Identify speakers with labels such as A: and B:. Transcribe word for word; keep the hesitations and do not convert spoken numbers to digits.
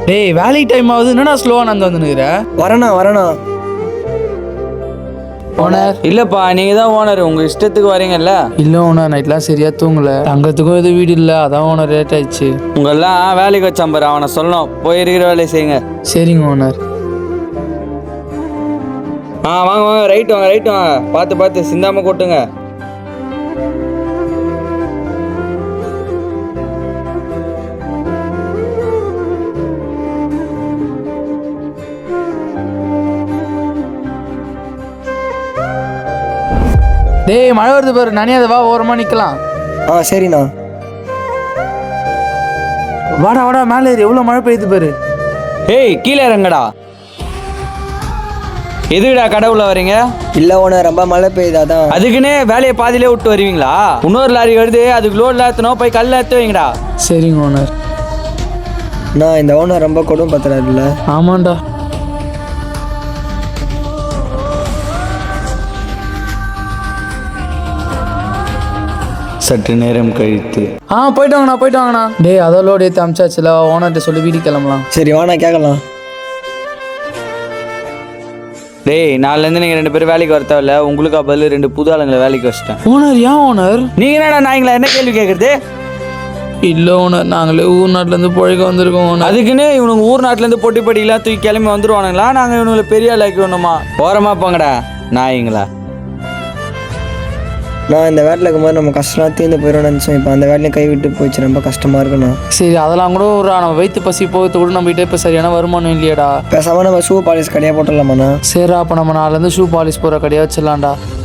A: டேய் வேலைக்கு டைம் ஆகுது, என்னடா ஸ்லோவா நடந்து வந்துனுக்குற?
B: வரண்ணா வரண்ணா.
A: ஓனர்
C: இல்லப்பா, நீங்க தான் ஓனர், உங்க இஷ்டத்துக்கு வரீங்கல்ல.
A: இல்லை ஓனர், நைட்லாம் சரியா தூங்கல, தங்கத்துக்கும் எதுவும் வீடு இல்லை, அதான் ஓனர் லேட் ஆயிடுச்சு.
C: உங்கெல்லாம் வேலைக்கு வச்சான் பாரு, அவனை சொல்லணும் போய் இருக்கிற வேலையை செய்யுங்க.
A: சரிங்க ஓனர்.
C: ஆ வாங்க வாங்க, ரைட் வாங்க ரைட் வாங்க, பார்த்து பார்த்து சிந்தாம கொட்டுங்க.
A: டேய் மழை வருது பாரு, நனியாத வா, ஓரமா நிக்கலாம்.
B: ஆ சரிண்ணா.
A: வாடா வாடா, மேலே ஏறி, எவ்வளோ மழை பெய்யுது பாரு.
C: ஏய் கீழே இறங்கடா. எதுக்குடா கடவுள வரீங்க?
B: இல்லை ஓனர், ரொம்ப மழை பெய்யுது அதான்.
C: அதுக்குன்னு வேலையை பாதியிலே விட்டு வருவீங்களா? இன்னொரு லாரி வருது, அதுக்கு லோட் ஏற்றணும், போய் கல்ல ஏற்ற வைங்கடா.
A: சரிங்க ஓனர்.
B: நான் இந்த ஓனர் ரொம்ப கொடுமை பத்துறாருல்ல.
A: ஆமாண்டா.
C: சற்று நேரம் கழித்து
A: ஆ போயிட்டு வாங்கண்ணா போயிட்டு வாங்கண்ணா. டேய் அதோ லோடு ஏற்றி அமிச்சாச்சுல, ஓனர்கிட்ட சொல்லி வீட்டுக்கு கிளம்பலாம்.
B: சரி வாண்ணா கேட்கலாம்.
C: டேய் நாலுலேருந்து நீங்கள் ரெண்டு பேரும் வேலைக்கு வர தேவையில்ல, உங்களுக்கு பதில் ரெண்டு புது ஆளுங்களை வேலைக்கு வச்சிட்டேன்.
A: ஓனர் ஏன் ஓனர்?
C: நீங்கள் என்னடா நாய்ங்களா, என்ன கேள்வி கேட்குறது?
A: இல்லை ஓனர், நாங்களே ஊர் நாட்டிலேருந்து பொழைக்க வந்திருக்கோம் ஓனர்.
C: அதுக்குன்னு இவனுக்கு ஊர் நாட்டிலேருந்து பொட்டி படிக்கலாம் தூக்கி கிளம்பி வந்துடுவானுங்களா? நாங்கள் இவனுங்களை பெரிய ஆளாக்கி வேணுமா? ஓரமாக போங்கடா நாய்ங்களா.
B: நான் இந்த வேட்டில் இருக்கும்போது நம்ம கஷ்டம்லாம் தீர்ந்து போயிடும் நினச்சோம். இப்போ அந்த வேலையும் கை விட்டு போயிடுச்சு, ரொம்ப கஷ்டமாக இருக்குண்ணா.
A: சரி அதெல்லாம் கூட ஒரு நம்ம வயிற்று பசி போகிறது கூட நம்ம கிட்ட இப்போ சரியான வருமானம் இல்லையாடா.
B: பேசாமல் நம்ம ஷூ பாலிஷ் கடையாக போட்டுடலாமாண்ணா?
A: சரி அப்போ நம்ம நாலுலேருந்து ஷூ பாலிஷ் போகிற கடையாக வச்சிடலாம்டா.